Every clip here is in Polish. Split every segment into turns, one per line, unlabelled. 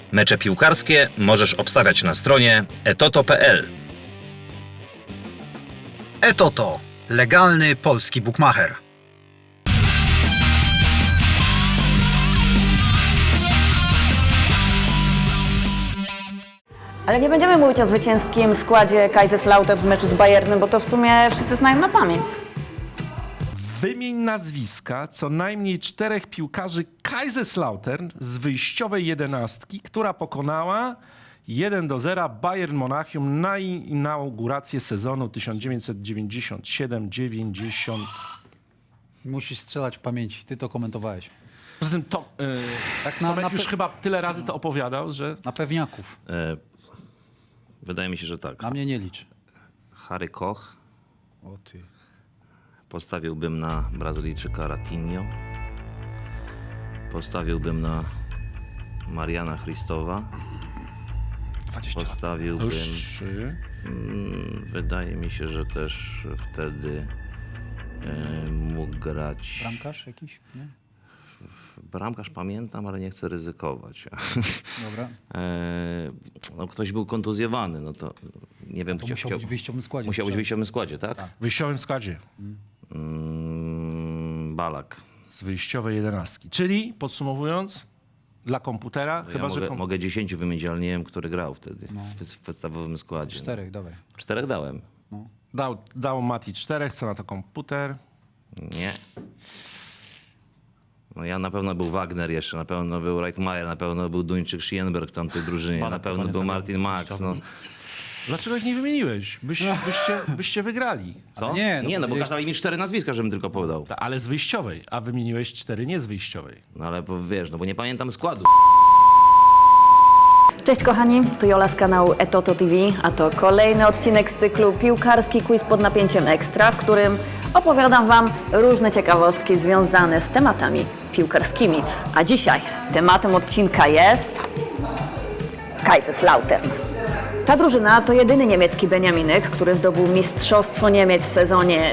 Mecze piłkarskie możesz obstawiać na stronie etoto.pl.
Etoto. Legalny polski bukmacher.
Ale nie będziemy mówić o zwycięskim składzie Kaiserslautern w meczu z Bayernem, bo to w sumie wszyscy znają na pamięć.
Wymień nazwiska co najmniej 4 piłkarzy Kaiserslautern z wyjściowej 11, która pokonała 1-0 Bayern Monachium na inaugurację sezonu 1997-90.
Musisz strzelać w pamięci. Ty to komentowałeś.
Poza tym to,
Tak
Tomek już chyba tyle razy to opowiadał, że...
na pewniaków.
Wydaje mi się, że tak.
Na mnie nie licz.
Harry Koch.
O ty.
Postawiłbym na Brazylijczyka Ratinho. Postawiłbym na Mariana Christowa.
20 lat.
Postawiłbym...
Już 3.
Wydaje mi się, że też wtedy mógł grać...
Bramkarz jakiś? Nie?
Bramkarz pamiętam, ale nie chcę ryzykować.
Dobra.
No, ktoś był kontuzjowany, no to nie wiem...
To musiał być w wyjściowym składzie.
Musiał być w wyjściowym składzie, tak?
W wyjściowym składzie
Balak.
z wyjściowej 11. Czyli podsumowując, dla komputera,
Ja
chyba że...
mogę 10 wymienić, ale nie wiem, który grał wtedy w podstawowym składzie.
4, dawaj.
4 dałem.
Dał Mati 4, co na to komputer.
Nie. No ja na pewno był Wagner jeszcze, na pewno był Reitmeier, na pewno był Duńczyk Schienberg w tamtej drużynie,
Balak
na pewno
chyba nie
był
zagrał
Martin Max. No.
Dlaczego ich nie wymieniłeś? Byście wygrali.
Co?
nie, no
Nie, no bo
powiedziałeś-
każdy mi 4 nazwiska, żebym tylko podał.
Ale z wyjściowej, a wymieniłeś 4 nie z wyjściowej.
No ale wiesz, no bo nie pamiętam składu.
Cześć kochani, tu Jola z kanału Etoto TV, a to kolejny odcinek z cyklu Piłkarski Quiz pod napięciem ekstra, w którym opowiadam Wam różne ciekawostki związane z tematami piłkarskimi. A dzisiaj tematem odcinka jest Kaiserslautern. Ta drużyna to jedyny niemiecki beniaminek, który zdobył Mistrzostwo Niemiec w sezonie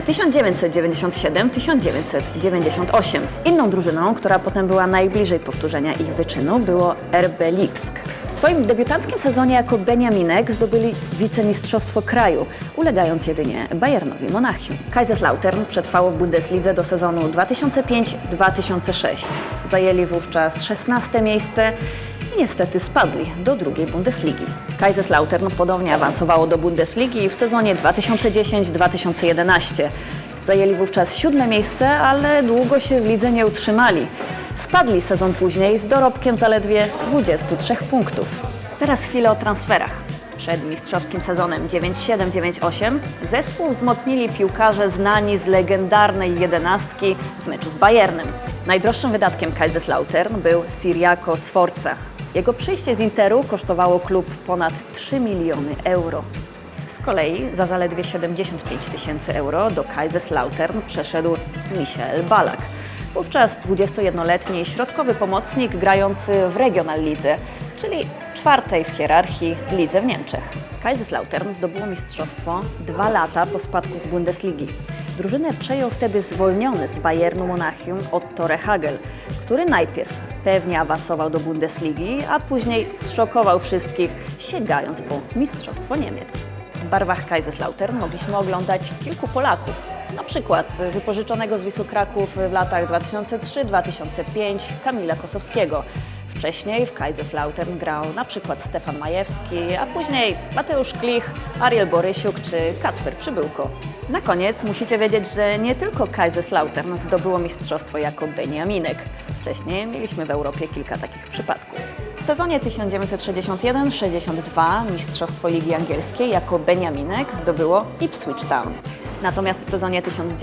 1997-1998. Inną drużyną, która potem była najbliżej powtórzenia ich wyczynu, było RB Lipsk. W swoim debiutanckim sezonie jako beniaminek zdobyli wicemistrzostwo kraju, ulegając jedynie Bayernowi Monachium. Kaiserslautern przetrwało w Bundeslidze do sezonu 2005-2006. Zajęli wówczas 16 miejsce i niestety spadli do drugiej Bundesligi. Kaiserslautern ponownie awansowało do Bundesligi w sezonie 2010-2011. Zajęli wówczas 7 miejsce, ale długo się w lidze nie utrzymali. Spadli sezon później z dorobkiem zaledwie 23 punktów. Teraz chwilę o transferach. Przed mistrzowskim sezonem 9-7-9-8 zespół wzmocnili piłkarze znani z legendarnej 11 z meczu z Bayernem. Najdroższym wydatkiem Kaiserslautern był Ciriaco Sforza. Jego przyjście z Interu kosztowało klub ponad 3 miliony euro. Z kolei za zaledwie 75 000 euro do Kaiserslautern przeszedł Michael Balak. Wówczas 21-letni środkowy pomocnik grający w Regionallidze, czyli czwartej w hierarchii lidze w Niemczech. Kaiserslautern zdobyło mistrzostwo 2 lata po spadku z Bundesligi. Drużynę przejął wtedy zwolniony z Bayernu Monachium Otto Rehhagel, który najpierw pewnie awansował do Bundesligi, a później zszokował wszystkich, sięgając po Mistrzostwo Niemiec. W barwach Kaiserslautern mogliśmy oglądać kilku Polaków, na przykład wypożyczonego z Wisły Kraków w latach 2003-2005 Kamila Kosowskiego. Wcześniej w Kaiserslautern grał na przykład Stefan Majewski, a później Mateusz Klich, Ariel Borysiuk czy Kacper Przybyłko. Na koniec musicie wiedzieć, że nie tylko Kaiserslautern zdobyło mistrzostwo jako beniaminek. Wcześniej mieliśmy w Europie kilka takich przypadków. W sezonie 1961-62 mistrzostwo Ligi Angielskiej jako beniaminek zdobyło Ipswich Town. Natomiast w sezonie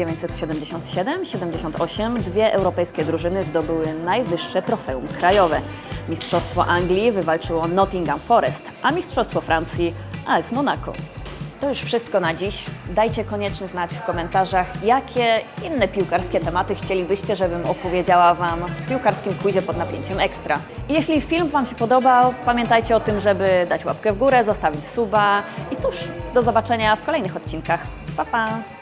1977-78 dwie europejskie drużyny zdobyły najwyższe trofeum krajowe. Mistrzostwo Anglii wywalczyło Nottingham Forest, a Mistrzostwo Francji AS Monaco. To już wszystko na dziś. Dajcie koniecznie znać w komentarzach, jakie inne piłkarskie tematy chcielibyście, żebym opowiedziała Wam w piłkarskim quizie pod napięciem ekstra. I jeśli film Wam się podobał, pamiętajcie o tym, żeby dać łapkę w górę, zostawić suba i cóż, do zobaczenia w kolejnych odcinkach. Pa, pa!